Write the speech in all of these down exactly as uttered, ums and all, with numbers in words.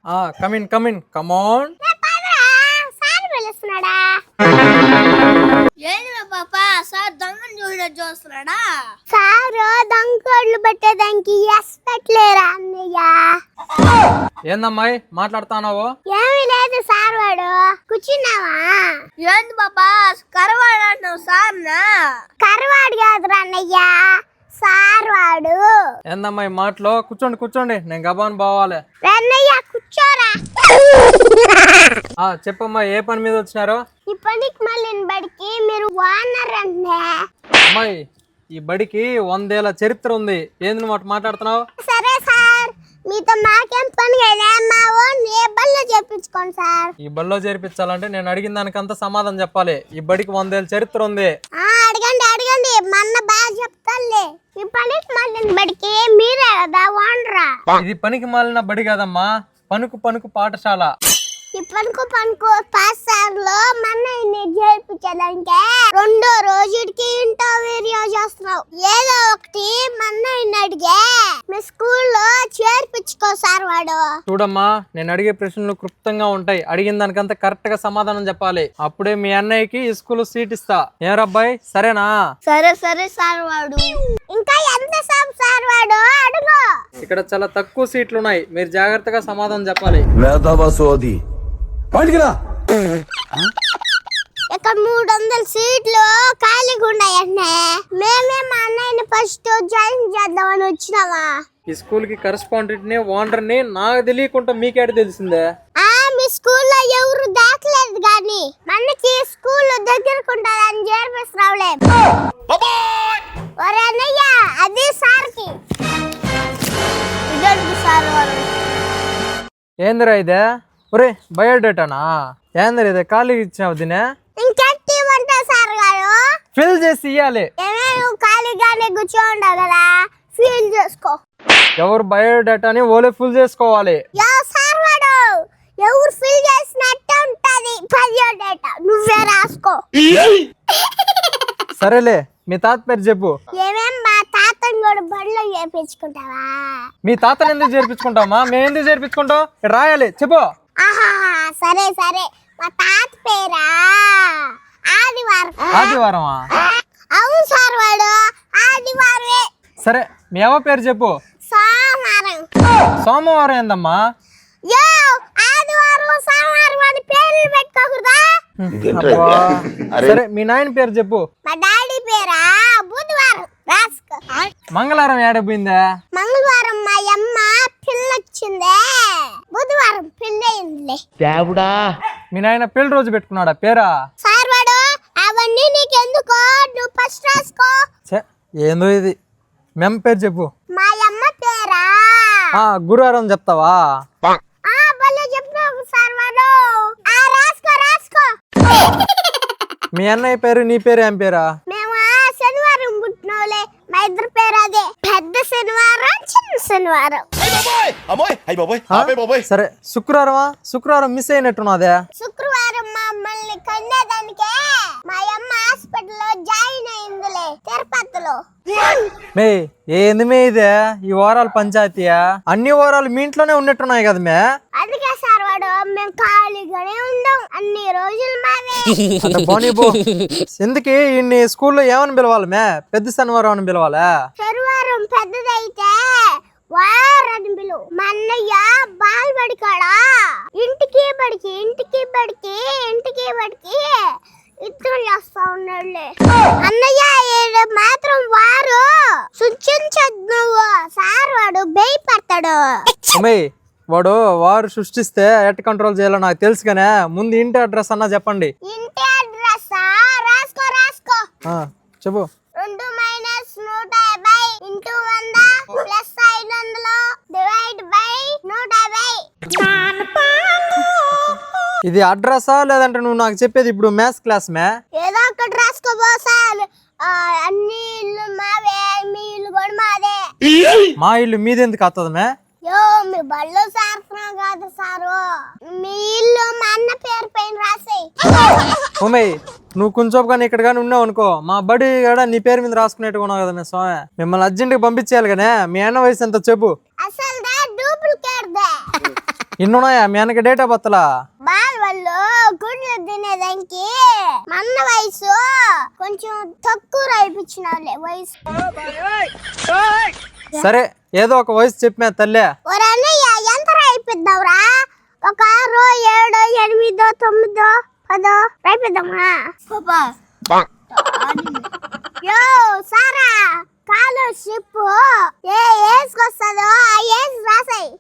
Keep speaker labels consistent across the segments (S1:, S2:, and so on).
S1: Come in come in come on.
S2: Sir దొంగోళ్ళు పట్టేదానికి ఎస్ పెట్టలేరా అన్నయ్య?
S1: ఏందమ్మాయి మాట్లాడుతున్నావు?
S2: ఏమీ లేదు సార్, వాడు కూర్చున్నావా? ఏంది బాబా కరవాడు అంటున్నావు సార్? కరవాడు కాదురా అన్నయ్య, సార్ వాడు.
S1: ఏందమ్మాయి మాటలో? కూర్చోండి కూర్చోండి, నేను గబాన్ పోవాలి.
S2: అన్నయ్య కూర్చోరా.
S1: చెప్పమ్మా, ఏ పని మీద వచ్చినారు?
S2: ఈ పనికి మళ్ళీ బడికి మీరు ఓనర్ అంటే.
S1: అమ్మాయి, ఈ బడికి వందేళ్ల చరిత్ర ఉంది. ఏంది నువ్వు మాట్లాడుతున్నావు?
S2: సరే సార్, మీతో మాకేం పని కదా, మా ఓన్ ఏ బల్లో చేర్పించుకోండి సార్.
S1: ఈ బల్లో చేర్పించాలంటే నేను అడిగిన దానికంతా సమాధానం చెప్పాలి. ఈ బడికి వందేళ్ల చరిత్ర ఉంది.
S2: అడగండి అడగండి, మన్న బాగా చెప్తాలే. ఈ పనికి మళ్ళీ బడికి మీరే కదా ఓనరా?
S1: ఇది పనికి మాలిన బడి కాదమ్మా, పనుకు పనుకు పాఠశాల.
S2: ఈ పనుకు పనుకు పాఠశాలలో మన చేర్పించడానికి రెండో రోజుకి ఇంటర్వ్యూ చేస్తున్నావు. ఏదో ఒకటి మన అడిగే మీ స్కూల్లో చేర్పించుకో సార్ వాడు.
S1: చూడమ్మా, నేను అడిగే ప్రశ్నలు క్లుప్తంగా ఉంటాయి. అడిగిన దానికంతా కరెక్ట్ గా సమాధానం చెప్పాలి. అప్పుడే మీ అన్నయ్యకి ఈ స్కూల్ సీట్ ఇస్తా. ఏరబ్బాయి, సరేనా?
S2: సరే సరే సార్ వాడు. ఇంకా ఎంత సేపు సార్ వాడు? అడుగు.
S1: ఇక్కడ చాలా తక్కువ సీట్లు ఉన్నాయి, మీరు జాగ్రత్తగా సమాధానం చెప్పాలి.
S2: ఇక్కడ మూడు వందల సీట్లు ఖాళీగా ఉన్నాయంటే మేమే మా అన్నయ్యని ఫస్ట్ జాయిన్ చేద్దామని వచ్చినావా?
S1: ఈ స్కూల్ కి కరెస్పాండెంట్ ని ఓనర్ ని నాకు తెలియకుండా మీకేట తెలిసిందే?
S2: ఆ మీ స్కూల్లో ఎవరు దాకలేదు గాని మనకి స్కూల్ దగ్గరకుంటారని చేర్పిస్తున్నావులే. ఒరే అన్నయ్య, అది సార్కి. ఇదడుగు సార్ వారు.
S1: ఏందిరా ఇదే? ఒరే బయోడేటానా? ఏందిరా ఇదే ఖాళీగా ఇచ్చినావు? దీనే
S2: ఇంకెట్టి ఇవ్వంటా సార్ గారు?
S1: ఫిల్ చేసి ఇయ్యాలి.
S2: ఏమే నువ్వు ఖాళీగానే కూర్చోండావు కదా, ఫిల్ చేసుకో.
S1: ఎవరు బయోడేటాని ఓలే ఫుల్ చేసుకోవాలి.
S2: యా సార్ వాడు, ఎవరు ఫిల్ చేసినట్టే ఉంటది బయోడేటా, నువ్వే రాసుకో.
S1: సరేలే, మీ తాత పేరు చెప్పు.
S2: ఏమేం మా తాతని కూడా బడిలో చేర్పించుకుంటావా?
S1: మీ తాతని ఎందుకు చేర్పించుకుంటామా? మేము ఎందుకు చేర్పించుకుంటాం? రాయాలి, చెప్పు.
S2: ఆహా సరే సరే, మా తాత పేరా ఆదివారం.
S1: ఆదివారమా?
S2: అవును సార్ వాడు, ఆదివారమే.
S1: సరే, మీ అవ్వ పేరు చెప్పు.
S2: సోమవారం.
S1: సోమవారం ఏందమ్మా?
S2: యో ఆదివారం సోమవారం అని పేర్లు పెట్టుకోకూడదా?
S1: సరే, మీ నాయన పేరు చెప్పు.
S2: మా డాడీ పేరా బుధవారం. రాసుకో.
S1: మంగళవారం ఏడపోయిందా?
S2: మంగళవారం మా అమ్మ పిల్లొచ్చిందే, బుధవారం పిల్లయిందిలే.
S1: దేవుడా, మీ నాయన పెళ్లి రోజు పెట్టుకున్నాడా పేరా?
S2: సార్ వాడు, అవన్నీ నీకెందుకో, నువ్వు ఫస్ట్ రాసుకో.
S1: ఏందో ఇది. మెమ్ పేరు చెప్పు.
S2: మా అమ్మ పేరా
S1: గురువారం చెప్తావా?
S2: సార్ వాడు, రాసుకో రాసుకో.
S1: మీ అన్నయ్య పేరు నీ పేరు ఏం పేరా?
S2: మేము శనివారం పుట్టినోలే, మా ఇద్దరు పేరు అదే. పెద్ద శనివారం, చిన్న శనివారం.
S1: సరే, శుక్రవారమా? శుక్రవారం మిస్ అయినట్టున్నదే.
S2: శుక్రవారం మమ్మల్ని కన్నేదానికే మా అమ్మ హాస్పిటల్లో జాయిన్ అయిందిలే, తిరుపతిలో.
S1: మే ఏంది మే ఇదే? ఈ వారాలు పంచాయతీయా? అన్ని వారాలు మీ ఇంట్లోనే ఉన్నట్టున్నాయి కదా మే.
S2: అందుకే సార్ వాడు, మేము ఖాళీగానే ఉందాం అన్ని రోజులు మావే.
S1: ఎందుకు ఇన్ని స్కూల్లో ఏమని పిలవాలి మే? పెద్ద శనివారం అని పిలవాలా?
S2: శనివారం పెద్దదైతే వారని పిలువు. మా అన్నయ్య బాల్ బడికాడా ఇంటికి బడికి ఇంటికి బడికి ఇంటికి బడికి ఇద్దరు చేస్తా ఉన్నాడులే. అన్నయ్య మాత్రం వారు సృష్టించదు, నువ్వు సార్ వాడు భయపడతాడు.
S1: వాడు వారు సృష్టిస్తే ఎట్ కంట్రోల్ చేయాలో నాకు తెలుసు కానీ ముందు ఇంటి అడ్రస్ అన్నా చెప్పండి.
S2: ఇంటి అడ్రస్ రాసుకో రాసుకో.
S1: చెప్పు.
S2: రెండు మైనస్ నూట యాభై ఇంటూ వంద ప్లస్ ఐదు వందలు డివైడ్ బై నూట యాభై.
S1: ఇది అడ్రస్సా లేదంటే నువ్వు నాకు చెప్పేది ఇప్పుడు మ్యాథ్స్ క్లాస్ మే?
S2: ఏదో ఒకటి రాసుకోబో సార్. అన్ని ఇల్లు మావే, మీ ఇల్లు కూడా మాదే.
S1: మా ఇల్లు మీదెందుకు వస్తుంది మే?
S2: యో మీ బళ్ళు సారుతున్నావు కాదు సారు, మీ ఇల్లు మా అన్న పేరు పైన రాసేయి.
S1: ఉమయ్, నువ్వు కొంచెం కానీ ఇక్కడ కానీ ఉన్నావు అనుకో, మా బడి కూడా నీ పేరు మీద రాసుకునేట్టుగా ఉన్నావు కదా మే స్వామి. మిమ్మల్ని అర్జెంట్గా పంపించేయాలి కానీ మీ అన్న వయసు ఎంత చెప్పు.
S2: అసలు డూప్లికేట్ దే.
S1: ఇన్నున్నాయా మీ అన్నకి డేట్ ఆఫ్ బర్త్లా?
S2: బాల్ వాళ్ళు గుడ్లు తినేదానికి మన వయసు కొంచెం తక్కువ రాయిపించిన వాళ్ళే వయసు.
S1: సరే ఏదో ఒక వయసు చెప్పినా తల్లే.
S2: ఒరే అన్నయ్య ఎంత రాయిపిద్దావురా? ఒక ఆరో ఏడో ఎనిమిదో తొమ్మిదో పదో రాయిపిద్దామా? యో సారా స్కాలర్షిప్ ఏ ఏజ్ వస్తుందో ఆ ఏజ్ రాసాయి.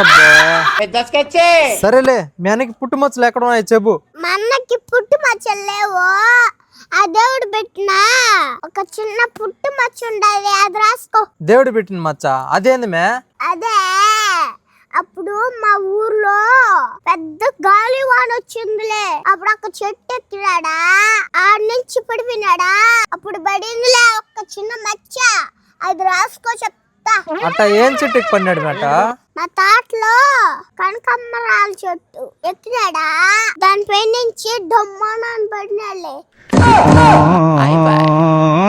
S1: సరేలే మీ అన్నకి పుట్టుమచ్చలు ఎక్కడ ఉన్నాయి చెప్పు.
S2: మా అన్నకి పుట్టు మచ్చలు లేవు. ఆ దేవుడు పెట్టిన ఒక చిన్న పుట్టు మచ్చ ఉండాలి, అది రాసుకో.
S1: దేవుడు పెట్టిన మచ్చ అదేంది మే?
S2: అదే అప్పుడు మా ఊర్లో పెద్ద గాలి వాన వచ్చిందిలే. అప్పుడు ఒక చెట్టు ఎక్కినాడా, ఆడ నుంచి పడిపోయినాడా, అప్పుడు పడిందిలే ఒక చిన్న మచ్చ, అది రాసుకో చెప్తా.
S1: అట్ట ఏం చెట్టుకి పడినాడు మాట?
S2: మా తోటలో కనకమ్మరాల చెట్టు ఎక్కినాడా, దానిపై నుంచి డొమ్మని పడినాడులే.